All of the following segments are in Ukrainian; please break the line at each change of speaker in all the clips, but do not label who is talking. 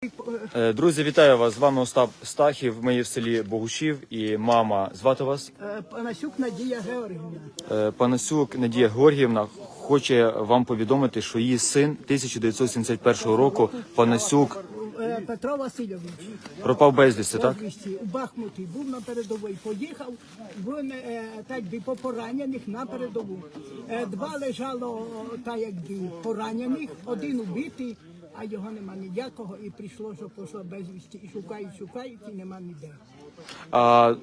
Друзі, вітаю вас! З вами Остап Стахів. Ми є в селі Богушів і мама. Звати вас?
Панасюк Надія Георгіївна.
Панасюк Надія Георгіївна хоче вам повідомити, що її син 1971 року, Панасюк,
Петро Васильович.
пропав безвісти, так?
У Бахмуті був на передовій, поїхав, він так би по поранених на передову. Два лежало так якби поранених, один убитий, а його нема ніякого, і прийшло, що пішло безвісті, і шукають, і нема ніде.
А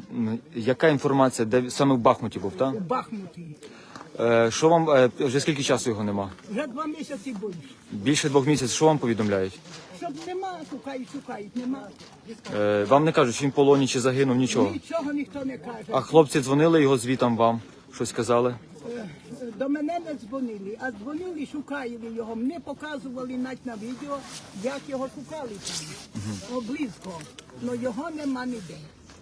яка інформація, де саме в Бахмуті був, так?
У Бахмуті.
Що вам, вже скільки часу його нема?
Вже 2 місяці більше.
Більше 2 місяців, що вам повідомляють?
Щоб нема, шукають, нема.
Вам не кажуть, чи він в полоні, чи загинув, нічого?
Нічого ніхто не каже.
А хлопці дзвонили його звітам вам? Щось казали?
До мене не дзвонили, а дзвонили, шукали його. Мені показували навіть на відео, як його шукали там, близько. Але його нема ніде.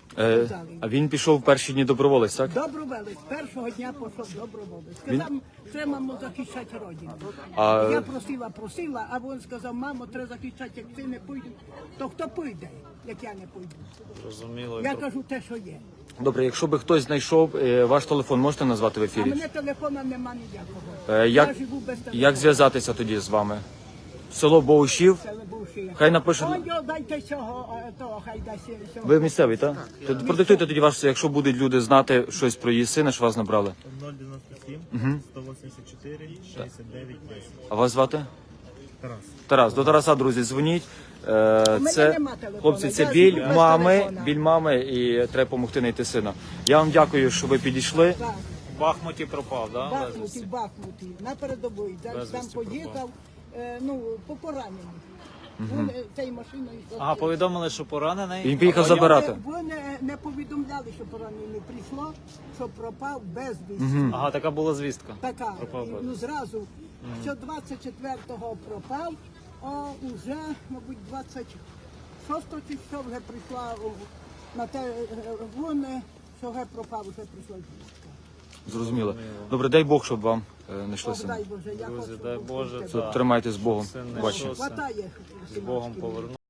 А він пішов в перші дні доброволець, так?
Доброволець, першого дня пішов доброволець. Сказав, що мамо захищати родину.
А-
Я просила, а він сказав, мамо, треба захищати, як ти не підеш, то хто піде, як я не піду?
Зрозуміло.
Я кажу те, що є.
Добре, якщо би хтось знайшов, ваш телефон можете назвати в
А
ефірі?
мене телефона нема ніякого.
Як,
Я живу без телефону.
як зв'язатися тоді з вами? Село Богушів. Хай напише.
Дайте цього, того, хай дасть цього.
Ви місцевий, так? Тоді продиктуйте тоді ваш, якщо будуть люди знати щось про її сина, що вас набрали.
097 184 69 10.
А вас звати?
Тарас.
Тарас. До Тараса, друзі, дзвоніть.
мене
Це,
нема телефону,
хлопці, це
я
біль
живу без
мами,
телефона.
біль мами, і треба допомогти знайти сина. Я вам дякую, що ви підійшли.
Так,
В Бахмуті пропав,
в
да?
Бахмуті, на передовій. Там
Безвісти
поїхав, по пораненню. Він цією машиною.
Ага, повідомили, що поранений.
Він поїхав забирати.
Вони не повідомляли, що поранений. Прийшло, що пропав безвісти.
Ага, така була звістка.
Така,
Пропав безвісти.
ну зразу, що 24-го пропав, а вже, мабуть, 26-го чи що вже прийшла на те, вони, що вже пропав, вже прийшла звістка.
Зрозуміло. Добре, дай Бог, щоб вам знайшли
Бог
сина.
дай Боже, я
Друзі,
хочу.
дай Боже,
Тримайтесь з Богом.
Син не
Бачимо.
йшовся.
Хватає.
З Богом повернув.